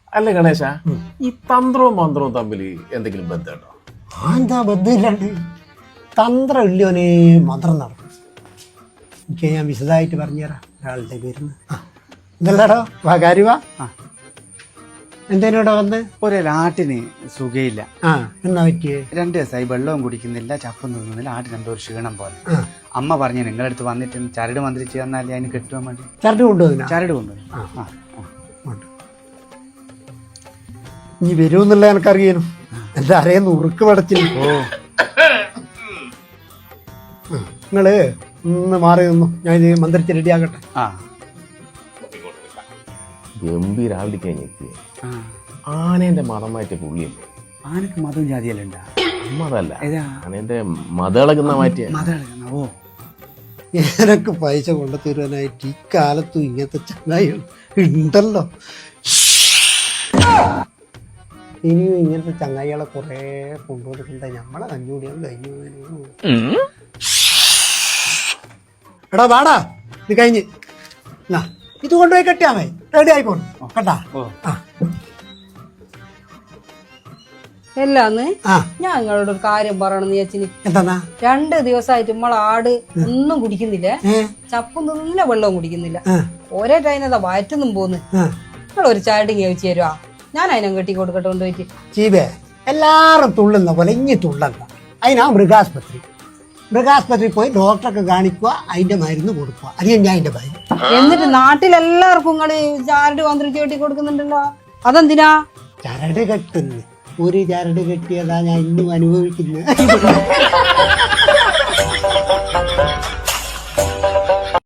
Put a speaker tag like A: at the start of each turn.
A: അല്ല ഗണേശ, ഈ തന്ത്രവും മന്ത്രവും തമ്മിൽ എന്തെങ്കിലും ബന്ധമുണ്ടോ?
B: എന്താ ബന്ധമില്ലാണ്ട്? തന്ത്രം ഇല്ലയോനെ മന്ത്രം നടക്കും. എനിക്ക് ഞാൻ വിശദമായിട്ട് പറഞ്ഞുതരാം. ഒരാളുടെ പേരുന്ന് ഇതല്ലാടോ വാ കാര്യവാ. എന്തേനോടെ വന്ന്
C: ഒരാട്ടിന് സുഖയില്ല.
B: എന്നാ പറ്റിയേ?
C: 2 ദിവസമായി വെള്ളവും കുടിക്കുന്നില്ല, ചപ്പും തിന്നുന്നില്ല. ആട്ടിന് എന്തോ ഒരു ക്ഷീണം പോലെ. അമ്മ പറഞ്ഞു നിങ്ങളടുത്ത് വന്നിട്ട് ചരട് മന്ത്രിച്ച് തന്നാലേ അതിന് കെട്ടുവാൻ വേണ്ടി.
B: ചരട് കൊണ്ടുപോകുന്ന
C: ചരട് കൊണ്ടുപോയി.
B: നീ വരുമെന്നുള്ള എനിക്കറിയാനും എന്റെ അരയെന്ന് ഉറുക്ക് പടച്ചില്ല. നിങ്ങള് ഒന്ന് മാറി നിന്നു, ഞാൻ ഇത് മന്ത്രിച്ച് റെഡിയാകട്ടെ.
A: ഗംഭീരാവിലേക്ക് കഴിഞ്ഞെത്തിയ ആനേന്റെ മതമായിട്ട് പുള്ളിയല്ലേ?
C: ആനക്ക് മതവും ജാതിയെല്ലാം ഉണ്ടാ?
A: മതല്ല, ആനേന്റെ മതളകുന്ന മാറ്റിയ.
C: ഓ,
B: എനക്ക് പൈസ കൊണ്ടു തരുവാനായിട്ട് ഈ കാലത്തും ഇങ്ങനത്തെ ചങ്ങായികൾ ഉണ്ടല്ലോ. ഇനിയും ഇങ്ങനത്തെ ചങ്ങായികളെ കുറെ കൊണ്ടുകൊടുക്കണ്ട. നമ്മളെ കഞ്ഞൂടിയാണ് കഴിഞ്ഞു. എടാ വാടാ, ഇത് കഴിഞ്ഞ് ഇത് കൊണ്ടുപോയി കെട്ടിയാ മതി. റെഡി ആയിക്കോളും കേട്ടാ.
D: എല്ലാന്ന് ഞാൻ നിങ്ങളോട് ഒരു കാര്യം പറയണെന്ന് ചേച്ചിന്.
B: എന്താ?
D: 2 ദിവസമായിട്ട് നമ്മളെ ആട് ഒന്നും കുടിക്കുന്നില്ലേ, ചപ്പും തിന്നില്ല, വെള്ളവും കുടിക്കുന്നില്ല. ഒരേ ടൈനതാ വയറ്റൊന്നും പോന്ന്. നിങ്ങളൊരു ചാടിങ് ചോദിച്ചു തരുവാ, ഞാൻ അതിനെ കെട്ടി കൊടുക്കട്ടെ കൊണ്ടുപോയിട്ട്.
B: ചീബേ, എല്ലാരും തുള്ളുന്ന പോലെ ഇനി തുള്ളണ്ട. അതിനാ മൃഗാസ്പത്രി പോയി ഡോക്ടറൊക്കെ കാണിക്കുക, അതിന്റെ മരുന്ന് കൊടുക്കുക. അറിയാം ഞാൻ അതിന്റെ ഭയം.
D: എന്നിട്ട് നാട്ടിലെല്ലാവർക്കും നിങ്ങള് ചാരട് മന്ത്രിച്ച് കെട്ടി കൊടുക്കുന്നുണ്ടല്ലോ, അതെന്തിനാ?
B: ചരട് കെട്ടുന്നു. ഒരു ചരട് കെട്ടിയതാ ഞാൻ ഇന്നും അനുഭവിക്കുന്നത്.